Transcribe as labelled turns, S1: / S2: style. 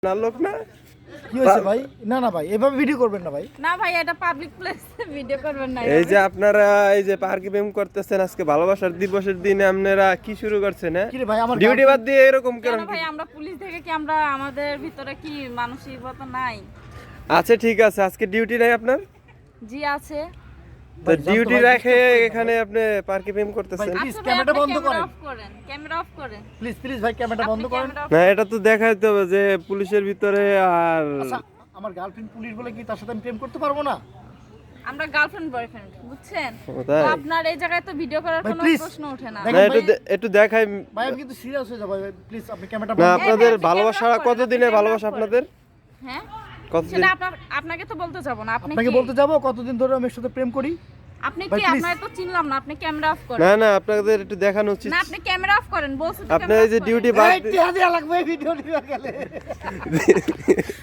S1: না লোক না
S2: কি হয়েছে ভাই? না না ভাই, এভাবে ভিডিও করবেন না ভাই।
S3: না ভাই, এটা পাবলিক প্লেসে ভিডিও করবেন না।
S1: এই যে আপনারা এই যে পার্কে প্রেম করতেছেন আজকে ভালোবাসার দিবসের দিনে আপনারা কি শুরু করছেন হ্যাঁ
S2: কি রে ভাই, আমার
S1: ডিউটি বাদ দিয়ে এরকম
S3: কেন
S1: করেন
S3: ভাই, আমরা পুলিশ থেকে কি আমরা আমাদের ভিতরে কি মানসিকতা নাই?
S1: আচ্ছা ঠিক আছে আজকে ডিউটি নাই আপনার
S3: জি আছে।
S1: তো ডিউটি রেখে এখানে আপনি পার্কে প্রেম করতেছেন
S2: প্লিজ
S3: আচ্ছা ভাই,
S2: ক্যামেরাটা
S3: আপনি
S2: বন্ধ করেন।
S3: অফ করেন, ক্যামেরা অফ করেন।
S2: প্লিজ প্লিজ ভাই ক্যামেরাটা বন্ধ
S3: আপনি
S2: করেন।
S3: ক্যামেরা off
S1: না এটা তো দেখাইতে হবে যে পুলিশের ভিতরে আর
S2: আচ্ছা, আমার গার্লফ্রেন্ড পুলিশ বলে কি তার সাথে আমি প্রেম করতে পারবো না?
S3: আমরা গার্লফ্রেন্ড বয়ফ্রেন্ড, বুঝছেন?
S1: ও তাই?
S3: তো আপনার এই জায়গায় তো ভিডিও করার
S2: ভাই,
S3: কোনো
S2: please,
S3: প্রশ্ন ওঠে না।
S2: দেখেন
S1: না একটু
S2: ভাই,
S1: একটু দেখাই
S2: ভাই আমি কিন্তু সিরিয়াস হয়ে যাবো। প্লিজ আপনি ক্যামেরাটা
S1: না
S2: বন্ধ
S1: আপনাদের
S3: আপনি
S1: ভালোবাসা
S3: ক্যামেরা off করেন,
S1: কতদিনে
S3: আপনি
S1: ভালোবাসা
S3: ক্যামেরা off
S1: আপনাদের
S3: হ্যাঁ,
S1: কতদিন
S3: সেটা আপনাকে তো বলতে যাব না। আপনি
S2: আপনাকে
S3: কি?
S2: বলতে যাবো কতদিন ধরে আমি এর সাথে প্রেম করি।
S3: আপনি
S2: ভাই,
S3: কি?
S2: please।
S3: আপনার তো চিনলাম না। আপনি ক্যামেরা অফ করেন।
S1: না না আপনাদের একটু দেখানো উচিত
S3: না, আপনি ক্যামেরা অফ করেন, বলছি তো
S1: আপনার
S3: ক্যামেরা
S1: এই যে
S3: off করেন।
S1: ডিউটি বাদ
S2: এই টিয়া দেয়া লাগবে এই ভিডিও নিয়ে গেলে।